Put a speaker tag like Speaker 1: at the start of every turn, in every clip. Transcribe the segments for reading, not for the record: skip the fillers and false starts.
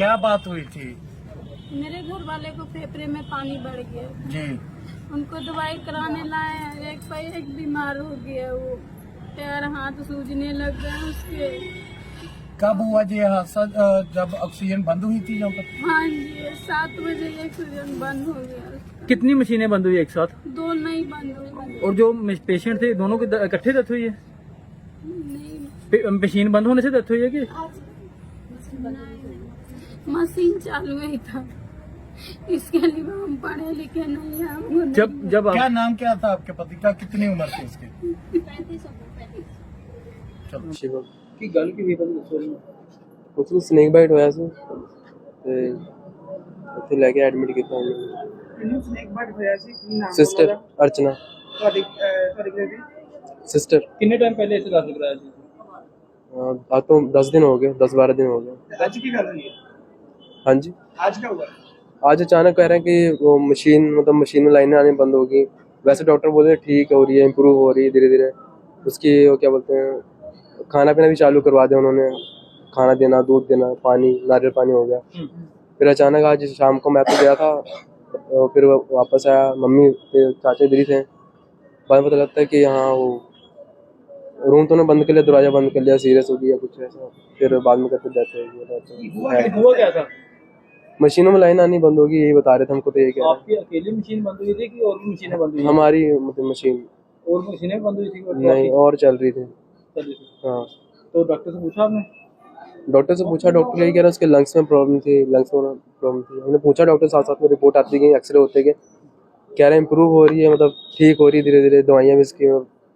Speaker 1: क्या बात हुई थी?
Speaker 2: मेरे घर वाले को फेफड़े में पानी बढ़ गया,
Speaker 1: जी।
Speaker 2: उनको दवाई कराने लाए हैं। एक पैर एक बीमार हो गया, वो पैर हाथ सूजने लग गए उसके।
Speaker 1: कब हुआ जी ये हादसा? जब ऑक्सीजन बंद हुई थी यहाँ पर?
Speaker 2: हाँ जी, 7 बजे ऑक्सीजन बंद हो गया उसका।
Speaker 3: कितनी मशीनें बंद हुई एक साथ?
Speaker 2: 2 नहीं बंद हुई।
Speaker 3: और जो पेशेंट थे दोनों की इकट्ठे डेथ हुई है?
Speaker 2: नहीं,
Speaker 3: मशीन बंद होने से डेथ हुई है कि?
Speaker 2: मशीन चालू ही था, इसके लिए हम पढ़े लिखे नहीं हैं, हमको
Speaker 3: जब
Speaker 1: क्या
Speaker 3: आप
Speaker 1: नाम क्या था आपके पति का? कितनी उम्र थी उसकी?
Speaker 2: 35।
Speaker 1: चलो।
Speaker 3: की गल की भी पता
Speaker 4: ਕੁਛ ਨੂੰ ਸਨੇਕ ਬਾਈਟ ਹੋਇਆ ਸੀ ਤੇ ਉੱਥੇ ਲੈ ਕੇ ਐਡਮਿਟ ਕੀਤਾ ਉਹਨੂੰ।
Speaker 5: ਇਹਨੂੰ ਸਨੇਕ ਬਾਈਟ ਹੋਇਆ ਸੀ, ਕੀ ਨਾਮ
Speaker 4: ਸਿਸਟਰ ਅਰਚਨਾ
Speaker 5: ਤੁਹਾਡੀ ਤੁਹਾਡੇ ਦੀ
Speaker 4: ਸਿਸਟਰ
Speaker 3: ਕਿੰਨੇ ਟਾਈਮ ਪਹਿਲੇ ਇਸੇ ਦਾਖਲ ਕਰਾਇਆ ਸੀ?
Speaker 4: आज तो 10 दिन हो गए, 10-12 दिन हो गए।
Speaker 5: ਅੱਜ ਕੀ ਗੱਲ ਹੋਈ ਹੈ?
Speaker 4: हाँ जी,
Speaker 5: आज क्या हुआ?
Speaker 4: आज अचानक कह रहे हैं कि वो मशीन मतलब मशीन में लाइनें आने बंद होगी। वैसे डॉक्टर बोल रहे हैं ठीक हो रही है, इम्प्रूव हो रही है धीरे धीरे। उसकी वो क्या बोलते हैं खाना पीना भी चालू करवा दिया उन्होंने, खाना देना, दूध देना, पानी, नारियल पानी हो गया। फिर अचानक आज शाम को मैं तो गया था, फिर वापस आया, मम्मी के चाचा इधर ही थे। बाद में पता लगता है कि यहाँ वो रूम तो उन्होंने बंद कर लिया, दरवाजा बंद कर लिया, सीरियस हो गया कुछ ऐसा। फिर बाद में कहते डेथ हो गई।
Speaker 3: हुआ क्या था?
Speaker 4: मशीनों में लाइन आनी बंद होगी, यही बता रहे थे हमको। तो ये क्या
Speaker 3: आपकी अकेली मशीन बंद हुई थी कि और भी मशीनें बंद हुई?
Speaker 4: हमारी मतलब मशीन
Speaker 3: और मशीनें बंद हुई थी और
Speaker 4: नहीं और चल रही थी।
Speaker 3: चल रही थी।
Speaker 4: हाँ,
Speaker 3: तो डॉक्टर से पूछा आपने?
Speaker 4: डॉक्टर से पूछा, डॉक्टर यही कह रहा है उसके लंग्स में प्रॉब्लम थी, लंग्स में प्रॉब्लम थी। हमने पूछा डॉक्टर, साथ साथ में रिपोर्ट आती गई, एक्सरे होते गए, कह रहे हैं इम्प्रूव हो रही है, मतलब ठीक हो रही है धीरे धीरे, दवाइयाँ भी इसकी।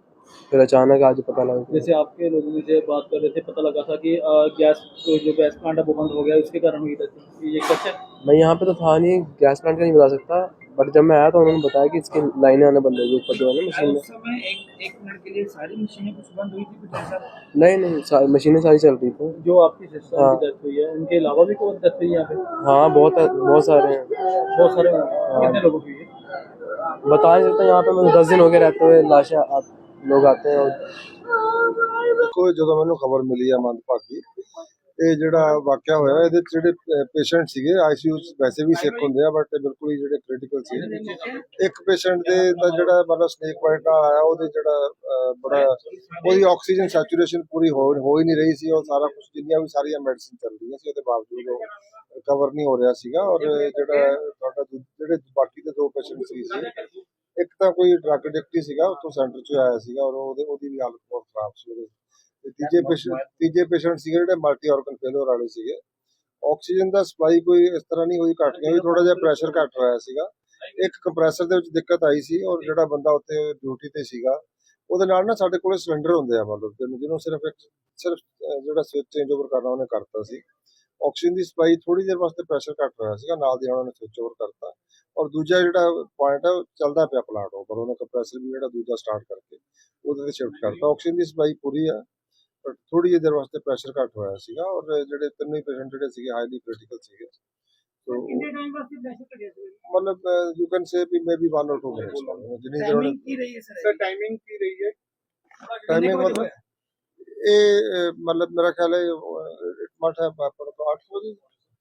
Speaker 4: फिर अचानक आज पता लगा।
Speaker 3: जैसे आपके लोगों में से बात कर रहे थे, पता लगा था कि गैस जो गैस प्लांट है वो बंद हो गया, उसके कारण हुई डेथ। ये सच है?
Speaker 4: मैं यहाँ पे तो था नहीं, गैस प्लांट का नहीं बता सकता, बट जब मैं आया तो उन्होंने बताया कि इसकी लाइनें आने बंद हो गई ऊपर जो है ना मशीन में।
Speaker 5: उस समय एक मिनट के लिए सारी मशीनें कुछ बंद हुई थी, कुछ ऐसा?
Speaker 4: नहीं मशीनें सारी चल रही थी।
Speaker 3: जो आपकी सिस्टर
Speaker 4: हाँ।
Speaker 3: की डेथ हुई है, उनके अलावा भी कोई डेथ हुई है यहाँ पे?
Speaker 4: हाँ बहुत सारे हैं,
Speaker 3: बहुत सारे कितने लोगों की हुई है?
Speaker 4: बता नहीं सकता। यहाँ पे मतलब 10 दिन हो गए रहते हुए, लाशें लोग आते हैं और
Speaker 6: ਦੇਖੋ ਜਦੋਂ ਮੈਨੂੰ ਖਬਰ ਮਿਲੀ ਆ ਮੰਦਭਾਗੀ, ਇਹ ਜਿਹੜਾ ਵਾਕਿਆ ਹੋਇਆ ਇਹਦੇ 'ਚ ਜਿਹੜੇ ਪੇਸ਼ੈਂਟ ਸੀਗੇ ਆਈਸੀਯੂ 'ਚ ਵੈਸੇ ਵੀ ਸਿੱਕ ਹੁੰਦੇ ਆ, ਬਟ ਬਿਲਕੁਲ ਹੀ ਜਿਹੜੇ ਕ੍ਰਿਟੀਕਲ ਸੀ। ਇੱਕ ਪੇਸ਼ੈਂਟ ਦੇ ਤਾਂ ਜਿਹੜਾ ਮਤਲਬ ਸਨੇਕ ਬਾਈਟ ਨਾਲ ਆਇਆ, ਉਹਦੇ ਜਿਹੜਾ ਬੜਾ ਉਹਦੀ ਆਕਸੀਜਨ ਸੈਚੂਰੇਸ਼ਨ ਪੂਰੀ ਹੋ ਹੀ ਨਹੀਂ ਰਹੀ ਸੀ। ਉਹ ਸਾਰਾ ਕੁਝ ਜਿੰਨੀਆਂ ਵੀ ਸਾਰੀਆਂ ਮੈਡੀਸਿਨ ਚੱਲ ਰਹੀਆਂ ਸੀ, ਉਹਦੇ ਬਾਵਜੂਦ ਉਹ ਰਿਕਵਰ ਨਹੀਂ ਹੋ ਰਿਹਾ ਸੀਗਾ। ਔਰ ਜਿਹੜਾ ਤੁਹਾਡਾ ਜਿਹੜੇ ਬਾਕੀ ਦੇ 2 ਪੇਸ਼ੈਂਟ ਸੀ, ਇੱਕ ਤਾਂ ਕੋਈ ਡਰੱਗ ਐਡਿਕਟ ਹੀ ਸੀਗਾ, ਉੱਥੋਂ ਸੈਂਟਰ 'ਚ ਆਇਆ ਸੀਗਾ, ਔਰ ਉਹਦੀ ਵੀ ਹਾਲਤ ਬਹੁਤ ਖਰਾਬ ਸੀ। ਉਹਦੇ ਤੇ ਤੀਜੇ ਪੇਸ਼ੈਂਟ ਸੀਗੇ ਜਿਹੜੇ ਮਲਟੀ ਆਰਗਨ ਫੇਲਿਅਰ ਵਾਲੇ ਸੀਗੇ। ਆਕਸੀਜਨ ਦਾ ਸਪਲਾਈ ਕੋਈ ਇਸ ਤਰ੍ਹਾਂ ਨਹੀਂ ਹੋਈ, ਘੱਟ ਗਿਆ ਵੀ ਥੋੜਾ ਜਿਹਾ ਪ੍ਰੈਸ਼ਰ ਘੱਟ ਹੋਇਆ ਸੀਗਾ। ਇੱਕ ਕੰਪਰੈਸਰ ਦੇ ਵਿੱਚ ਦਿੱਕਤ ਆਈ ਸੀ, ਔਰ ਜਿਹੜਾ ਬੰਦਾ ਉੱਥੇ ਡਿਊਟੀ ਤੇ ਸੀਗਾ ਉਹਦੇ ਨਾਲ ਨਾ ਸਾਡੇ ਕੋਲੇ ਸਿਲੰਡਰ ਹੁੰਦੇ ਆ, ਮਤਲਬ ਜਿਹਨੂੰ ਸਿਰਫ ਜਿਹੜਾ ਸਵਿਚ ਚੇਂਜ ਓਵਰ ਕਰਨਾ ਉਹਨੇ ਕਰਤਾ ਸੀ। ਆਕਸੀਜਨ ਦੀ ਸਪਲਾਈ ਥੋੜੀ ਦੇਰ ਵਾਸਤੇ ਪ੍ਰੈਸ਼ਰ ਘੱਟ ਹੋਇਆ ਸੀਗਾ, ਨਾਲ ਦੀ ਨਾਲ ਉਹਨੇ ਸਵਿਚ ਓਵਰ ਕਰਤਾ। ਔਰ ਦੂਜਾ ਜਿਹੜਾ ਪੁਆਇੰਟ ਹੈ, ਉਹ ਚੱਲਦਾ ਪਿਆ ਪਲਾਂਟ ਉੱਪਰ, ਉਹਨੇ ਕੰਪਰੈਸਰ ਵੀ ਜਿਹੜਾ ਦੂਜਾ ਸਟਾਰਟ ਕਰਕੇ ਉਹਦੇ ਤੇ ਸ਼ਿਫਟ ਕਰਤਾ। ਆਕਸੀਜਨ ਦੀ ਸਪਲਾਈ ਪੂਰੀ ਆ, ਬਟ ਥੋੜੀ ਜਿਹੀ ਦੇਰ ਵਾਸਤੇ ਪ੍ਰੈਸ਼ਰ ਘੱਟ ਹੋਇਆ ਸੀਗਾ। ਔਰ ਜਿਹੜੇ 3 ਪੇਸ਼ੈਂਟ ਜਿਹੜੇ ਸੀਗੇ ਹਾਈਲੀ ਕ੍ਰਿਟੀਕਲ ਸੀਗੇ। ਸੋ
Speaker 5: ਕਿੰਨੇ ਟਾਈਮ ਵਾਸਤੇ ਪ੍ਰੈਸ਼ਰ ਘਟਿਆ ਸੀ?
Speaker 6: ਮਤਲਬ ਯੂ ਕੈਨ ਸੇ ਵੀ ਮੇਬੀ 1 or 2 ਮਿੰਟਸ ਜਿੰਨੀ ਦੇਰ
Speaker 5: ਟਾਈਮਿੰਗ ਕੀ ਰਹੀ ਹੈ ਸਰ? ਟਾਈਮਿੰਗ ਕੀ ਰਹੀ ਹੈ?
Speaker 6: ਟਾਈਮਿੰਗ ਮਤਲਬ ਇਹ ਮਤਲਬ ਮੇਰਾ ਖਿਆਲ ਹੈ it might have happen about 8 ਵਜੇ।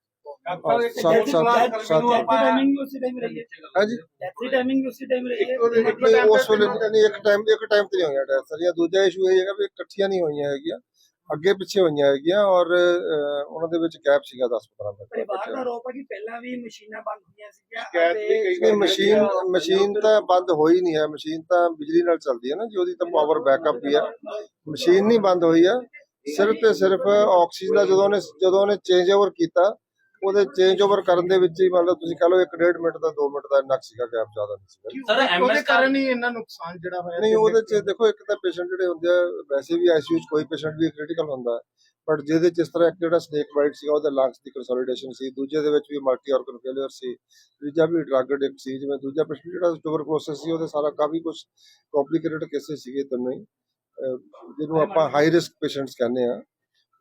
Speaker 5: टाइमिंग उसी टाइम रही है?
Speaker 6: हाँ जी,
Speaker 5: टाइमिंग उसी टाइम रही है?
Speaker 6: ਉਸ ਵੇਲੇ ਨਹੀਂ ਇੱਕ ਟਾਈਮ ਤੇ ਨਹੀਂ ਹੋਈਆਂ ਡੈਥ ਸਾਰੀਆਂ। ਦੂਜਾ ਇਸ਼ੂ ਇਹ ਹੈਗਾ ਵੀ ਇਕੱਠੀਆਂ ਨਹੀਂ ਹੋਈਆਂ ਹੈਗੀਆਂ, ਅੱਗੇ ਪਿੱਛੇ ਹੋਈਆਂ ਹੈਗੀਆਂ, ਔਰ ਉਹਨਾਂ ਦੇ ਵਿੱਚ ਗੈਪ ਸੀਗਾ 10-15 ਮਿੰਟ।
Speaker 5: ਪਰਿਵਾਰ ਦਾ ਆਰੋਪ ਹੈ ਕਿ ਪਹਿਲਾਂ ਵੀ ਮਸ਼ੀਨਾਂ ਬੰਦ ਹੋਈਆਂ ਸੀਗੀਆਂ।
Speaker 6: ਮਸ਼ੀਨ ਤਾਂ ਬੰਦ ਹੋਈ ਨਹੀਂ ਹੈ, ਮਸ਼ੀਨ ਤਾਂ ਬਿਜਲੀ ਨਾਲ ਚੱਲਦੀ ਹੈ ਨਾ ਜੀ, ਉਹਦੀ ਤਾਂ ਪਾਵਰ ਬੈਕਅਪ ਵੀ ਆ। ਮਸ਼ੀਨ ਨਹੀਂ ਬੰਦ ਹੋਈ ਆ, ਸਿਰਫ ਤੇ ਸਿਰਫ ਆਕਸੀਜਨ ਦਾ ਜਦੋਂ ਉਹਨੇ ਚੇਂਜ ਓਵਰ ਕੀਤਾ, ਉਹਦੇ ਚੇਂਜ ਓਵਰ ਕਰਨ ਦੇ ਵਿੱਚ ਹੀ ਮਤਲਬ ਤੁਸੀਂ ਕਹ ਲਓ 1.5 ਮਿੰਟ ਦਾ 2 ਮਿੰਟ ਦਾ ਇੰਨਾ ਸੀਗਾ ਗੈਪ, ਜ਼ਿਆਦਾ ਨਹੀਂ ਸੀਗਾ।
Speaker 5: ਉਹਦੇ ਕਾਰਨ ਹੀ ਇੰਨਾ ਨੁਕਸਾਨ ਜਿਹੜਾ ਹੋਇਆ?
Speaker 6: ਨਹੀਂ, ਉਹਦੇ ਚ ਦੇਖੋ ਇੱਕ ਤਾਂ ਪੇਸ਼ੈਂਟ ਜਿਹੜੇ ਹੁੰਦੇ ਆ, ਵੈਸੇ ਵੀ ਆਈਸੀਯੂ ਚ ਕੋਈ ਪੇਸ਼ੈਂਟ ਵੀ ਕ੍ਰਿਟੀਕਲ ਹੁੰਦਾ ਹੈ, ਬਟ ਜਿਹਦੇ ਚ ਇਸ ਤਰ੍ਹਾਂ ਇੱਕ ਜਿਹੜਾ ਸਨੇਕ ਬਾਈਟ ਸੀਗਾ ਉਹਦੇ ਲੰਗਸ ਦੀ ਕੰਸੋਲੀਡੇਸ਼ਨ ਸੀ, ਦੂਜੇ ਦੇ ਵਿੱਚ ਵੀ ਮਲਟੀ ਆਰਗਨ ਫੇਲਿਅਰ ਸੀ, ਤੀਜਾ ਵੀ ਡਰੱਗ ਐਡਿਕਟ ਸੀ। ਜਿਵੇਂ ਦੂਜਾ ਪੇਸ਼ੈਂਟ ਜਿਹੜਾ ਟਿਊਬਰਕਲੋਸਿਸ ਸੀ, ਉਹਦੇ ਸਾਰਾ ਕਾਫੀ ਕੁਝ ਕੰਪਲਿਕੇਟਡ ਕੇਸਿਸ ਸੀਗੇ ਤਿੰਨੋਂ ਹੀ, ਜਿਹਨੂੰ ਆਪਾਂ ਹਾਈ ਰਿਸਕ ਪੇਸ਼ੈਂਟਸ ਕਹਿੰਦੇ ਆ।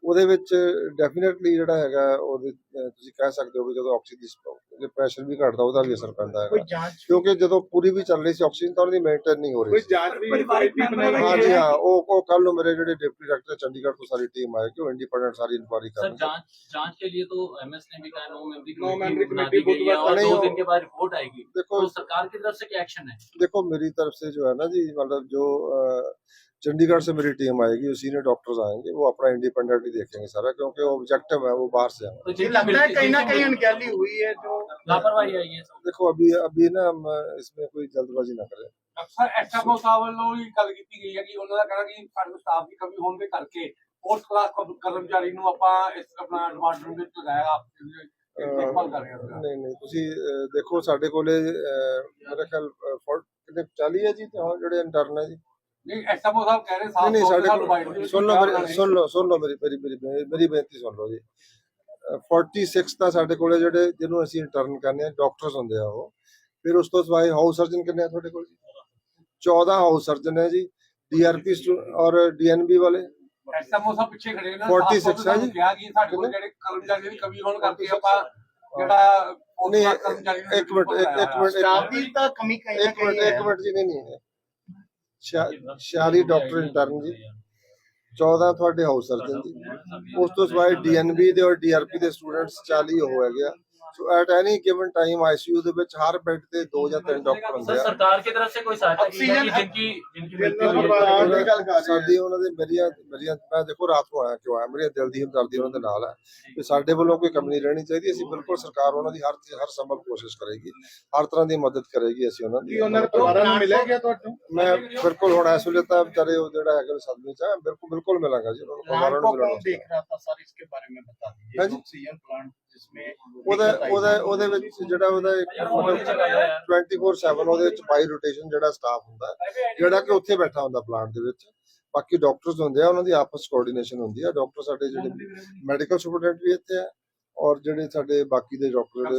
Speaker 6: ਉਹਦੇ ਵਿੱਚ ਡੈਫੀਨਿਟਲੀ ਜਿਹੜਾ ਹੈਗਾ ਉਹਦੇ ਤੁਸੀਂ ਕਹਿ ਸਕਦੇ ਹੋ ਵੀ ਜਦੋਂ ਆਕਸੀਜਨ ਦੀ ਪ੍ਰੈਸ਼ਰ ਵੀ ਘਟਦਾ ਉਹਦਾ ਵੀ ਅਸਰ ਪੈਂਦਾ
Speaker 5: ਕੋਈ
Speaker 6: ਹੈਗਾ,
Speaker 5: ਜਾਂਚ
Speaker 6: ਕਿਉਂਕਿ ਜਦੋਂ ਪੂਰੀ ਵੀ ਚੱਲ ਰਹੀ ਸੀ ਆਕਸੀਜਨ ਤਾਂ ਉਹਦੀ ਮੇਨਟੇਨ ਨਹੀਂ ਹੋ ਰਹੀ ਸੀ।
Speaker 5: ਜਾਂਚ ਵੀ ਕਮੇਟੀ ਬਣਾਈ
Speaker 6: हाँ जी हाँ, वो कल नो मेरे जो डिप्टी डायरेक्टर चंडीगढ़ को सारी टीम आएगी, वो इंडिपेंडेंट सारी इंक्वायरी
Speaker 3: सर
Speaker 6: करेंगे।
Speaker 3: जांच के लिए तो एमएस ने भी कहा 9 मेंबरी
Speaker 5: मेंबरी
Speaker 3: बना
Speaker 5: कमेटी
Speaker 3: दी गई है और
Speaker 6: नहीं
Speaker 3: 2
Speaker 6: हो-
Speaker 3: दिन के बाद रिपोर्ट आएगी।
Speaker 6: देखो
Speaker 3: तो सरकार की तरफ से क्या एक्शन है?
Speaker 6: देखो मेरी तरफ से जो है ना जी, मतलब जो चंडीगढ़ से मेरी टीम आएगी, सीनियर डॉक्टर्स आएंगे, वो अपना इंडिपेंडेंटली देखेंगे सारा, क्योंकि वो ऑब्जेक्टिव है, वो बाहर से है।
Speaker 3: तो
Speaker 5: ये लगता है कहीं ना कहीं अनगहली हुई है जो
Speaker 3: लापरवाही आई है सब।
Speaker 6: देखो अभी ना हम इसमें कोई जल्दबाजी ना करें।
Speaker 7: ਅਕਸਰ ਐਸਐਮਓ ਸਾਹਿਬ ਵੱਲੋਂ ਹੀ ਗੱਲ ਕੀਤੀ ਗਈ ਹੈ ਕਿ ਉਹਨਾਂ ਦਾ ਕਹਿਣਾ ਕਿ ਸਾਡੇ ਸਟਾਫ ਦੀ ਕਮੀ ਹੋਣ ਦੇ ਕਰਕੇ ਫੋਰਥ ਕਲਾਸ ਕਰਮਚਾਰੀ ਨੂੰ ਆਪਾਂ ਇਸ ਆਪਣਾ ਡਿਪਾਰਟਮੈਂਟ ਵਿੱਚ ਲਗਾਇਆ ਦੇਖਭਾਲ ਕਰ ਰਹੇ ਹਾਂ।
Speaker 6: ਨਹੀਂ ਤੁਸੀਂ ਦੇਖੋ ਸਾਡੇ ਕੋਲੇ ਮੇਰਾ ਖਿਆਲ 40 ਹੈ ਜੀ ਜਿਹੜੇ ਇੰਟਰਨ ਹੈ ਜੀ।
Speaker 7: ਨਹੀਂ ਐਸਐਮਓ ਸਾਹਿਬ ਕਹਿ ਰਹੇ ਸਾਫ
Speaker 6: ਨਹੀਂ
Speaker 7: ਤੌਰ
Speaker 6: ਸਾਡੇ
Speaker 7: ਤੇ ਡਿਵਾਈਡ
Speaker 6: ਕੋਲ ਸੁਣ ਲਓ ਮੇਰੀ ਬੇਨਤੀ ਸੁਣ ਲਓ ਜੀ। 46 ਤਾਂ ਸਾਡੇ ਕੋਲੇ ਜਿਹੜੇ ਜਿਹਨੂੰ ਅਸੀਂ ਇੰਟਰਨ ਕਹਿੰਦੇ ਆ ਡਾਕਟਰਸ ਹੁੰਦੇ ਆ ਉਹ। ਫਿਰ ਉਸ ਤੋਂ ਸਿਵਾਏ ਹਾਊਸ ਸਰਜਨ ਕਿੰਨੇ ਆ ਤੁਹਾਡੇ ਕੋਲ ਜੀ? 14 ਹਾਊਸ ਸਰਜਨ ਹੈ ਜੀ, ਡੀਆਰਪੀ ਔਰ ਡੀਐਨਬੀ ਵਾਲੇ
Speaker 7: ਐਸਐਮਓ ਸਾਹਿਬ ਪਿੱਛੇ ਖੜੇ ਨੇ
Speaker 6: 46 ਹੈ ਜੀ।
Speaker 7: ਕਿਹਾ ਕਿ ਸਾਡੇ ਕੋਲ ਜਿਹੜੇ ਕਰਮਚਾਰੀ ਦੀ ਕਮੀ ਹੋਣ ਕਰਕੇ ਆਪਾਂ ਜਿਹੜਾ
Speaker 6: ਨਹੀਂ
Speaker 7: ਕਰਮਚਾਰੀ
Speaker 6: ਇੱਕ ਮਿੰਟ
Speaker 5: स्टाफ की तो कमी कहीं ना कहीं है।
Speaker 6: ਇੱਕ ਮਿੰਟ ਜੀ ਨਹੀਂ 46 ਡਾਕਟਰ ਇੰਟਰਨ ਜੀ, 14 ਤੁਹਾਡੇ ਹਾਊਸ ਸਰਜਨ ਜੀ, ਉਸ ਤੋਂ ਸਿਵਾਏ ਡੀਐਨਬੀ ਦੇ ਔਰ ਡੀਆਰਪੀ ਦੇ ਸਟੂਡੈਂਟਸ 40 ਹੋ ਹੈਗੇ ਆ। So at any given time ICU ਦੇ ਵਿੱਚ ਹਰ ਬੈੱਡ ਤੇ 2 ਜਾਂ 3 ਡਾਕਟਰ ਹੁੰਦੇ
Speaker 3: सर
Speaker 6: ਆ।
Speaker 3: सरकार की तरफ से कोई सहायता की है कि जिनकी मृत्यु हुई है?
Speaker 5: सरकार ਦੀ ਗੱਲ ਕਰ ਰਹੇ
Speaker 6: ਸਾਡੀ ਉਹਨਾਂ ਦੇ ਮੇਰੀਆਂ ਮੈਂ ਦੇਖੋ ਰਾਤ ਨੂੰ ਆਇਆ ਕਿਉਂ ਆਇਆ, ਮੇਰੀਆਂ ਦਿਲ ਦੀ ਹਮਦਰਦੀ ਉਹਨਾਂ ਦੇ ਨਾਲ ਹੈ ਕਿ ਸਾਡੇ ਵੱਲੋਂ ਕੋਈ ਕਮੀ ਨਹੀਂ ਰਹਿਣੀ ਚਾਹੀਦੀ। ਅਸੀਂ ਬਿਲਕੁਲ ਸਰਕਾਰ ਉਹਨਾਂ ਦੀ ਹਰ ਸੰਭਵ ਕੋਸ਼ਿਸ਼ ਕਰੇਗੀ, ਹਰ ਤਰ੍ਹਾਂ ਦੀ ਮਦਦ ਕਰੇਗੀ ਅਸੀਂ ਉਹਨਾਂ ਦੀ।
Speaker 5: ਉਹਨਾਂ ਦੇ ਪਰਿਵਾਰਾਂ ਨੂੰ ਮਿਲਿਆ ਗਿਆ ਤੁਹਾਨੂੰ
Speaker 6: ਮੈਂ ਬਿਲਕੁਲ ਹੁਣ ਇਸ ਵੇਲੇ ਤਾਂ ਵਿਚਾਰੇ ਉਹ ਜਿਹੜਾ ਹੈਗਾ ਸਦਮੇ ਚ ਆ, ਬਿਲਕੁਲ ਮਿਲਾਂਗਾ ਜੀ ਉਹਨਾਂ ਨੂੰ, ਪਰਿਵਾਰਾਂ ਨੂੰ
Speaker 5: कौन
Speaker 6: ਮਿਲਾਂਗਾ।
Speaker 5: देख रहा था सर, इसके बारे में बता
Speaker 6: हाँ
Speaker 5: दीजिए।
Speaker 6: जी।
Speaker 5: ऑक्सीजन प्लांट जिसमें
Speaker 6: ਉਹਦੇ ਵਿੱਚ ਜਿਹੜਾ ਉਹਦਾ ਇੱਕ ਮਤਲਬ 24/7 ਉਹਦੇ ਵਿੱਚ ਬਾਈ ਰੋਟੇਸ਼ਨ ਜਿਹੜਾ ਸਟਾਫ ਹੁੰਦਾ ਜਿਹੜਾ ਕਿ ਉੱਥੇ ਬੈਠਾ ਹੁੰਦਾ ਪਲਾਂਟ ਦੇ ਵਿੱਚ। ਬਾਕੀ ਡਾਕਟਰਸ ਹੁੰਦੇ ਆ, ਉਹਨਾਂ ਦੀ ਆਪਸ ਕੋਆਰਡੀਨੇਸ਼ਨ ਹੁੰਦੀ ਆ। ਡਾਕਟਰ ਸਾਡੇ ਜਿਹੜੇ ਮੈਡੀਕਲ ਸੁਪਰਡੈਂਟ ਵੀ ਇੱਥੇ ਆ ਔਰ ਜਿਹੜੇ ਸਾਡੇ ਬਾਕੀ ਦੇ ਡਾਕਟਰ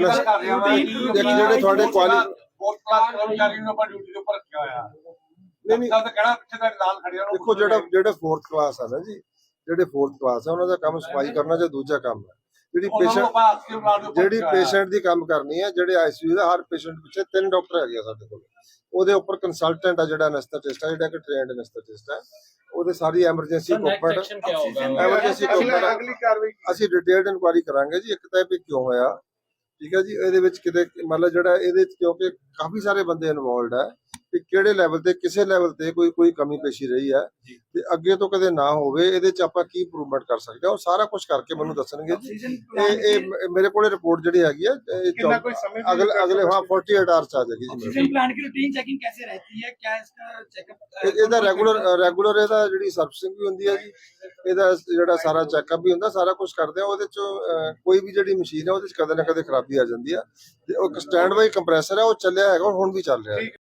Speaker 6: ਜਿਹੜੇ ਤੁਹਾਡੇ
Speaker 7: ਫੋਰਥ ਕਲਾਸ ਕਰਮਚਾਰੀ ਨੂੰ ਆਪਾਂ ਡਿਊਟੀ ਦੇ ਉੱਪਰ ਰੱਖਿਆ ਹੋਇਆ।
Speaker 6: ਨਹੀਂ
Speaker 7: ਤਾਂ ਕਹਿਣਾ ਪਿੱਛੇ ਦਾ ਨਾਲ ਖੜਿਆ ਨੂੰ
Speaker 6: ਦੇਖੋ ਜਿਹੜੇ 4th ਕਲਾਸ ਆ ਨਾ ਜੀ, ਜਿਹੜੇ 4th ਕਲਾਸ ਆ ਉਹਨਾਂ ਦਾ ਕੰਮ ਸਫਾਈ ਕਰਨਾ ਜਾਂ ਦੂਜਾ ਕੰਮ ਹੈ। ਜਿਹੜੀ ਪੇਸ਼ੈਂਟ ਦੀ ਕੰਮ ਕਰਨੀ ਹੈ, ਜਿਹੜੇ ਆਈਸੀਯੂ ਦਾ ਹਰ ਪੇਸ਼ੈਂਟ ਪਿੱਛੇ 3 ਡਾਕਟਰ ਹੈਗੇ ਆ ਸਾਡੇ ਕੋਲ। ਉਹਦੇ ਉੱਪਰ ਕੰਸਲਟੈਂਟ ਆ ਜਿਹੜਾ ਐਨਸਥੈਟਿਸਟ ਆ, ਜਿਹੜਾ ਕਿ ਟ੍ਰੇਨਡ ਐਨਸਥੈਟਿਸਟ ਹੈ, ਉਹਦੇ ਸਾਰੀ ਐਮਰਜੈਂਸੀ ਇਕਵਿਪਮੈਂਟ ਐਮਰਜੈਂਸੀ ਇਕਵਿਪਮੈਂਟ
Speaker 5: अगली कार्रवाई
Speaker 6: ਅਸੀਂ ਡਿਟੇਲਡ ਇਨਕੁਆਇਰੀ ਕਰਾਂਗੇ ਜੀ। ਇੱਕ ਤਾਂ ਇਹ ਵੀ ਕਿਉਂ ਹੋਇਆ, ਠੀਕ ਹੈ ਜੀ। ਇਹਦੇ ਵਿੱਚ ਕਿਤੇ ਮਤਲਬ ਜਿਹੜਾ ਇਹਦੇ ਵਿੱਚ ਕਿਉਂਕਿ ਕਾਫੀ ਸਾਰੇ ਬੰਦੇ ਇਨਵੋਲਡ ਹੈ ਕਿ ਕਿਹੜੇ ਲੈਵਲ ਤੇ ਕਿਸੇ ਲੈਵਲ ਤੇ ਕੋਈ ਕਮੀ ਪੇਸ਼ੀ ਰਹੀ ਹੈ ਤੇ ਅੱਗੇ ਤੋਂ ਕਦੇ ਨਾ ਹੋਵੇ, ਇਹਦੇ ਚ ਆਪਾਂ ਕੀ ਇੰਪਰੂਵਮੈਂਟ ਕਰ ਸਕਦੇ ਹਾਂ ਉਹ ਸਾਰਾ ਕੁਝ ਕਰਕੇ ਮੈਨੂੰ ਦੱਸਣਗੇ ਜੀ। ਇਹ ਮੇਰੇ ਕੋਲੇ ਰਿਪੋਰਟ ਜਿਹੜੀ ਹੈਗੀ ਹੈ
Speaker 5: कितना कोई समय
Speaker 6: ਅਗਲੇ ਹਾਂ 48 ਆਵਰਸ ਆ ਜਾਏਗੀ ਜੀ।
Speaker 5: ऑक्सीजन प्लांट की रूटीन चेकिंग कैसे रहती है? क्या इसका चेकअप
Speaker 6: ਇਹਦਾ ਰੈਗੂਲਰ ਇਹਦਾ ਜਿਹੜੀ ਸਰਵਿਸਿੰਗ ਵੀ ਹੁੰਦੀ ਹੈ ਜੀ, ਇਹਦਾ ਜਿਹੜਾ ਸਾਰਾ ਚੈੱਕਅਪ ਵੀ ਹੁੰਦਾ, ਸਾਰਾ ਕੁਝ ਕਰਦੇ ਆ। ਉਹਦੇ ਚ ਕੋਈ ਵੀ ਜਿਹੜੀ ਮਸ਼ੀਨ ਹੈ ਉਹਦੇ ਚ ਕਦੇ ਨਾ ਕਦੇ ਖਰਾਬੀ ਆ ਜਾਂਦੀ ਆ ਤੇ ਉਹ ਸਟੈਂਡ ਬਾਈ ਕੰਪਰੈਸਰ ਹੈ, ਉਹ ਚੱਲਿਆ ਹੈਗਾ, ਹੁਣ ਵੀ ਚੱਲ ਰਿਹਾ ਹੈ।